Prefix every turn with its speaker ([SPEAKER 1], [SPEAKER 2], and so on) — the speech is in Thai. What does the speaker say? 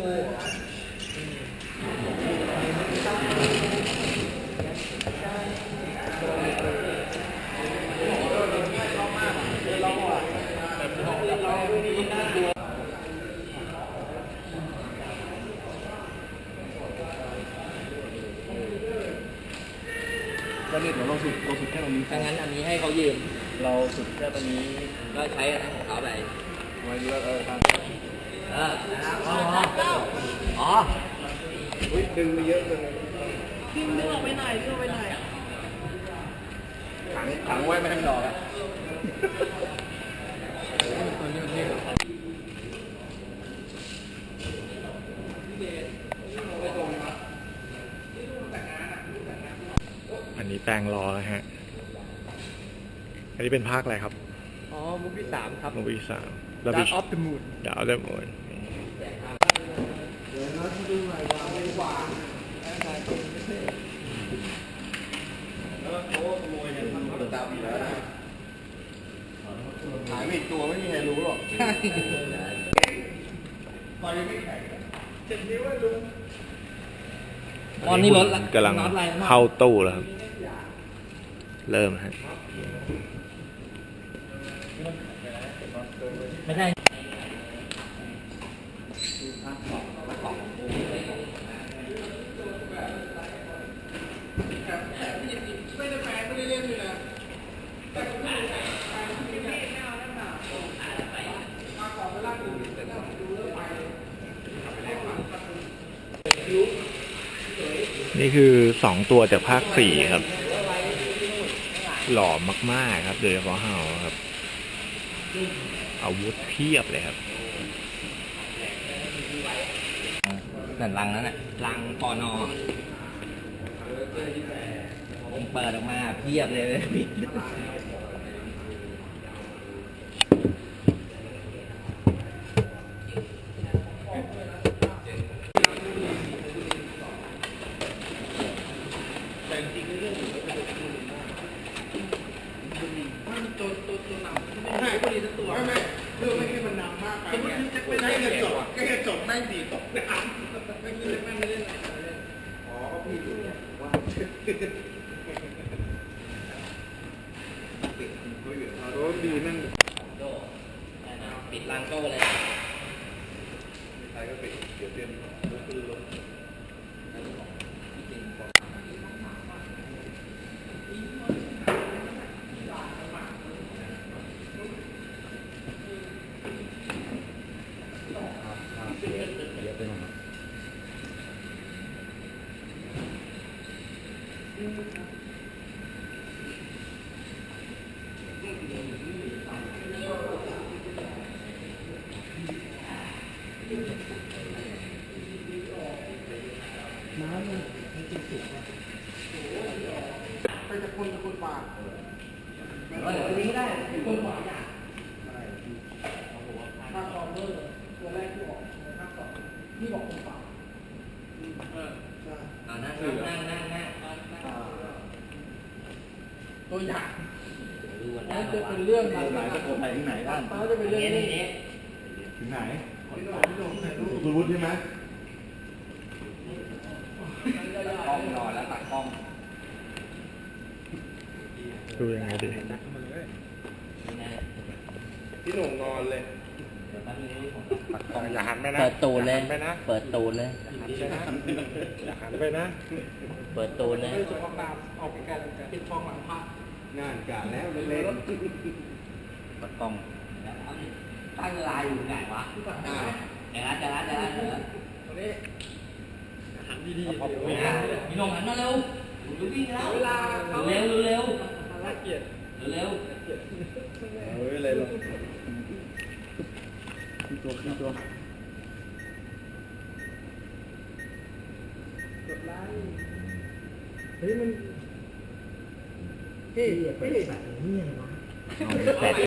[SPEAKER 1] แล้วเนี่ยเดี๋ยวเราสุดแค่ตรงนี้
[SPEAKER 2] ถ้างั้นอันนี้ให้เขายืม
[SPEAKER 1] เราสุดแค่ตรงนี้
[SPEAKER 2] ก็ใช้อันนั้นของเขาไป
[SPEAKER 1] ไว้เยอะทาง
[SPEAKER 2] อ๋อ
[SPEAKER 1] ดึงไปเยอะเลย
[SPEAKER 3] ดึงออกไปหน่อยดึงออกไปหน่อย
[SPEAKER 1] ขังไว้ไม่ให้มันออกอ่ะ
[SPEAKER 4] อันนี้แปลงรอนะฮะอันนี้เป็นภาคอะไรครับ
[SPEAKER 2] อ๋อมุกที่3ครับ
[SPEAKER 4] มุกที่3
[SPEAKER 2] Dark of the Moon
[SPEAKER 4] Dark of the Moon
[SPEAKER 1] หายไปอีกตัวไม่มีใครรู้หรอก
[SPEAKER 2] ตอนนี้รถ
[SPEAKER 4] กำลังเข้าตู้แล้วครับเริ่มฮะ
[SPEAKER 2] ไม่ใช่
[SPEAKER 4] นี่คือ2ตัวจากภาค4ครับหล่อมากๆครับโดยเฉพาะเฮาครับอาวุธเพียบเลยครับ
[SPEAKER 2] นั่นรังนั้นน่ะรังปอนอเปิดออกมาเพียบเลย
[SPEAKER 1] แค่จบไม่ดีตกน้ำไม่เล่นไม่เล่นอ๋อพี่ดูว่าปิดเขาอยู่รถดีนั่ง
[SPEAKER 2] ปิดรังโก้เลย
[SPEAKER 1] ใครก็ปิดเดี๋ยวเตรียมรถคือรถไปจะคนป่า
[SPEAKER 2] ตัวนี้ได้คนขวาอยาก
[SPEAKER 3] ภาค2ตัวแรกที่ออกในภาค2ที่บอกคนป่า
[SPEAKER 2] นั่ง
[SPEAKER 3] ตัวอย่าง
[SPEAKER 2] นั่น
[SPEAKER 3] จะเป็นเรื่อง
[SPEAKER 1] ไหนจะโกไปที่ไหนบ้าง
[SPEAKER 3] จะเป็นเรื่องนี้
[SPEAKER 1] ถึงไหนคุณวุฒิใช่ไหม
[SPEAKER 2] กล้องนอนแล้วตัดกล้อง
[SPEAKER 4] ดูยังไงดี
[SPEAKER 1] พี่หนุ่มนอนเลย
[SPEAKER 4] ปัดกล้องอย่าหันไปนะ
[SPEAKER 2] เปิดตูนเลยเปิดตูนเลย
[SPEAKER 4] อย่าหันไปนะ
[SPEAKER 2] เปิดตูนเลย
[SPEAKER 3] สุขภาพออกกันติดฟองหลังพระ
[SPEAKER 1] งานการแล้วเล่น
[SPEAKER 2] เปิดกล้องตั้งลายอยู่ไหนวะเดี๋ยวจะละ
[SPEAKER 3] ตอนนี้หันดีๆ
[SPEAKER 2] พี่น้องหันมาเร็วดูวิ่งแล้วเร็ว
[SPEAKER 3] น่าเกลียด
[SPEAKER 2] เร็ว
[SPEAKER 1] เฮ้ยอะไรหรอตัวก
[SPEAKER 3] ดไลค์เฮ้ยมันเฮ้ยแบบนี้ไงวะ